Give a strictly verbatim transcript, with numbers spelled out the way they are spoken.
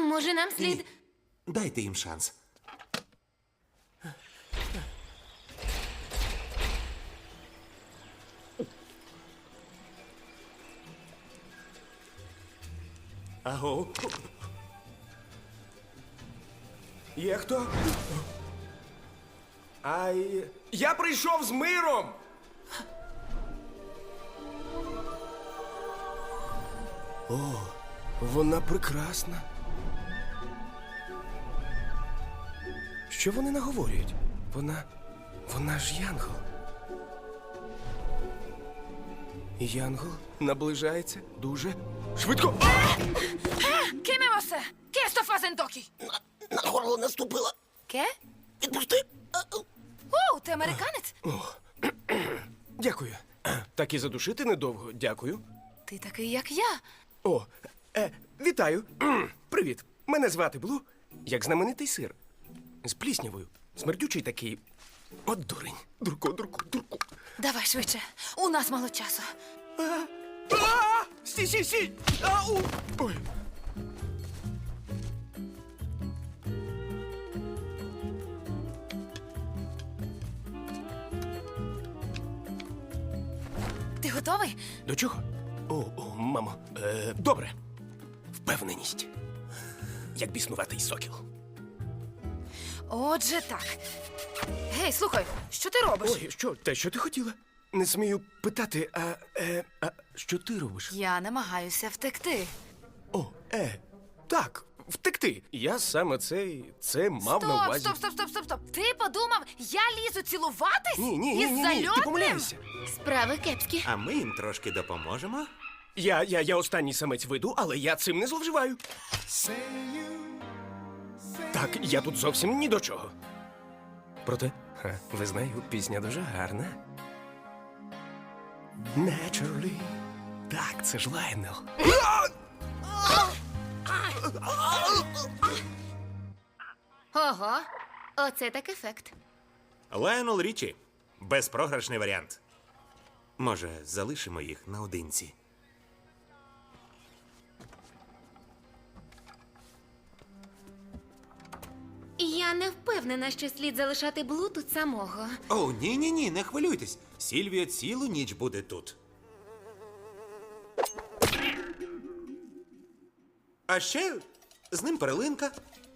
Може, нам слід... Ні. Дайте їм шанс. Аго. Є хто? Ай. Я прийшов з миром! О, вона прекрасна. Що вони наговорюють? Вона. Вона ж Янгол. І Янгол наближається дуже швидко. ¿Qué me vas a hacer? ¿Qué esto fazendo aquí? На горло наступила. ¿Qué? Відпусти. О, ти американець? Дякую. Так і задушити недовго. Дякую. Ти такий, як я. О, е, вітаю. Привіт. Мене звати Блу, як знаменитий сир. З пліснявою. Смердючий такий. От дурень. Дурко, дурко, дурко. Давай швидше. У нас мало часу. А! Стій, стій, стій! Ау! Ой. Ти готовий? До чого? О, о, мамо. Е, добре. Впевненість. Як біснуватий сокіл. Отже, так. Гей, слухай, що ти робиш? Ой, що? Те, що ти хотіла? Не смію питати, а, е, а що ти робиш? Я намагаюся втекти. О, е, так, втекти. Я саме це, це мав на Стоп, увазі. стоп, стоп, стоп, стоп, стоп. Ти подумав, я лізу цілуватись? Ні, ні, ні, Із ні, ні, ти зальотним? помиляєшся. Справи кепські. А ми їм трошки допоможемо. Я, я, я останній самець виду, але я цим не зловживаю. Так, я тут зовсім ні до чого. Проте, ха, визнаю, пісня дуже гарна. Naturally. Так, це ж Лайнел. Ого, оце так ефект. Лайонел Річі. Безпрограшний варіант. Може, залишимо їх наодинці. Я не впевнена, що слід залишати Блу тут самого. О, ні-ні-ні, не хвилюйтесь. Сільвія цілу ніч буде тут. А ще з ним перлинка.